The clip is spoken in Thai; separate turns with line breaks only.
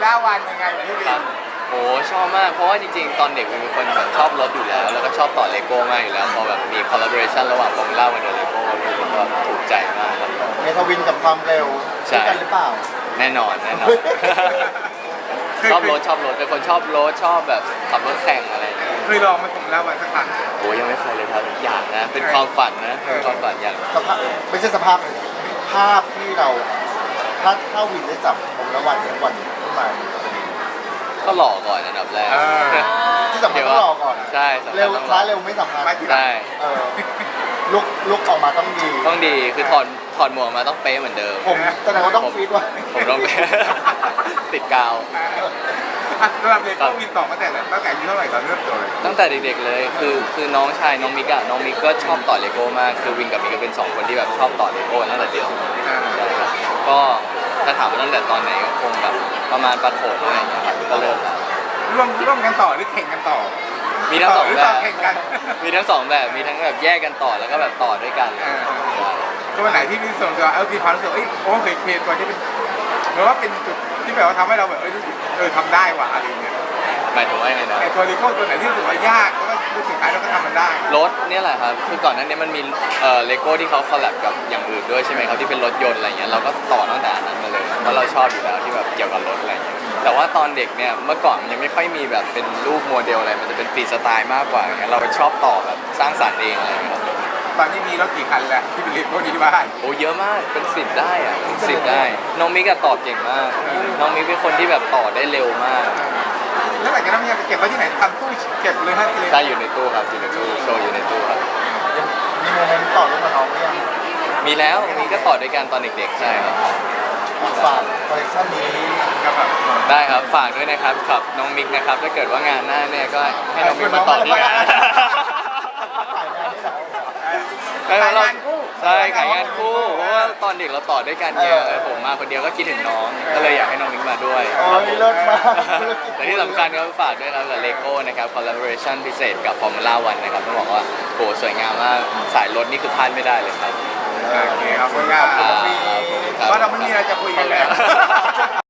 ล่าวันยังไงพี่วิ
ครับ
น
โอ้ชอบมากเพราะว่าจริงๆตอนเด็กเป็นคนแบบชอบรถอยู่แล้วแล้วก็ชอบต่อเลโก้มากอยู่แล้วพอแบบมีคอลลาบอเรชันระหว่างฟอร์มูล่าวันกับเลโก้ผมก็ถูกใจมากครับ
เมทาวินกับความเร็ว
ใช่
ด้วยกันหรือเปล่า
แน่นอนชอบรถเป็นคนชอบรถชอบแบบขับรถแข่งอะไรอย่างเงี้ย
เคยลองไหมาผมเล่าวันสักครั้ง
โอ้ยังไม่เคยเลยครับอยากนะเป็นความฝันนะเป็นความฝันอย่าง
สภาพไม่ใช่สภาพเลยภาพที่เราถ้าวินได้จับผมละวันขึ้นมา
ก็หล่อก่อนอันดับแรก
ที่สำคัญต้องรอก่อน
ใช่สำคัญ
เร็ว
ต้องรอ
ช้าเร็วไม่สำคัญ
ได้
เออลุกออกมาต้องดี
ต้องดีคือถอดหมวกมาต้องเป๊ะเหมือนเดิม
ผมแสดงว่าต้องฟีดว่า
ผมต้อง ติดกาว
สำหรับเลโก้วินต่อตั้งแต่อายุเท่าไหร่ตอนเริ่มต้นเลย
ตั้งแต่เด็กๆเลยคือน้องชายน้องมิกอะน้องมิกก็ชอบต่อเลโก้มากคือวินกับมิกก็เป็นสองคนที่แบบชอบต่อเลโก้ตั้งแต่เด็กใช่ครับก็ถ้าถามว่าตั้งแต่ตอนไหนก็คงแบบประมาณประถมอะไรอย่างเงี้ยครับก็เริ่มแล้ว
ร่วมกันต่อหรือแข่งกันต่อ
มีทั้งสอง
หรือ
แบ
ต่อบ แข่งกัน
มีทั้งสองแบบมีทั้งแบบแยกกันต่อแล้วก็แบบต่อด้วยกัน
ตัวไหนที่มีส่วนตัวมีความรู้สึกโอ้เคตัวที่เป็นเหมือนว่าเป็นจุดที่แบบว่าทำให้เราแบบรู้สึกทำได้ว่ะอะไรอย่างเงี้ย
หมายถึงว่ายังไงนะ
ไอตัวเลโก้ตัวไหนที่รู้สึกว่ายากแล้วก็รู้สึกท้ายเราก็ทำมันได้
รถเนี่ยแหละครับคือก่อนหน้านี้มันมีเลโก้ที่เขาคอลแลบกับอย่างอื่นด้วยใช่ไหมครับที่เป็นรถยนต์อะไรเงี้ยเราก็ต่อตั้งแต่อันนั้นมาเลยเพราะเราชอบอยู่แล้วที่แบบเกี่ยวกับรถอะไรเงี้ยแต่ว่าตอนเด็กเนี่ยเมื่อก่อนมันยังไม่ค่อยมีแบบเป็นรูปโมเดลอะไรมันจะเป็นฟรีสไตล์มากกว่าอย่างเงี้ยเราชอบต่อแบบสร้างสรรค์เองอะไรเงี้ยครับ
ตอนนี้มีรถกี่คันแล้วที่เป็นเลโก้ที่บ้าน
โอ้เยอะมากเป็น10ได้อะ10ได้น้องมิกอะต่อเก่งมาก น้องมิกเป็นคนที่แบบต่อได้เร็วมาก
แล้วหลังจากนั้นมันจะไปเก็บไว้ที่ไหนทำตู้เก็บเลยฮะเลย
ใช่อยู่ในตู้ครับอยู่ในตู้โชว์อยู่ในตู้ครับ
มีโมเมนต์ต่อรูปกับน้องหรือยัง
มีแล้วมีก็ต่อด้วยกันตอนเด็กๆใช่ครับ
ฝากคอลเลคชันนี้
กับแบบ
ได้ครับฝากด้วยนะครับกับน้องมิกนะครับถ้าเกิดว่างานหน้าเนี่ยก็ให้น้องมิกมาต่อที่งาน
ถ่ายงานได้เหรอ
ขายงานคู่
ใช่ขายงานคู่เพราะว่าตอนเด็กเราต่อด้วยกันเยอะผมมาคนเดียวก็คิดถึงน้องก็เลยอยากให้น้องมิกมาด้วย
โอ้ยเลิศมาก
แต่ที่สำคัญก็ฝากด้วยครับกับเลโก้นะครับคอลลาบอเรชันพิเศษกับฟอร์มูล่าวันนะครับต้องบอกว่าโหสวยงามมากสายรถนี่คือพลาดไม่ได้เลยครับ
โอเคขอบคุณครับ
ครับ
เพราะเราไม่มีอะไรจะคุยกันแล้ว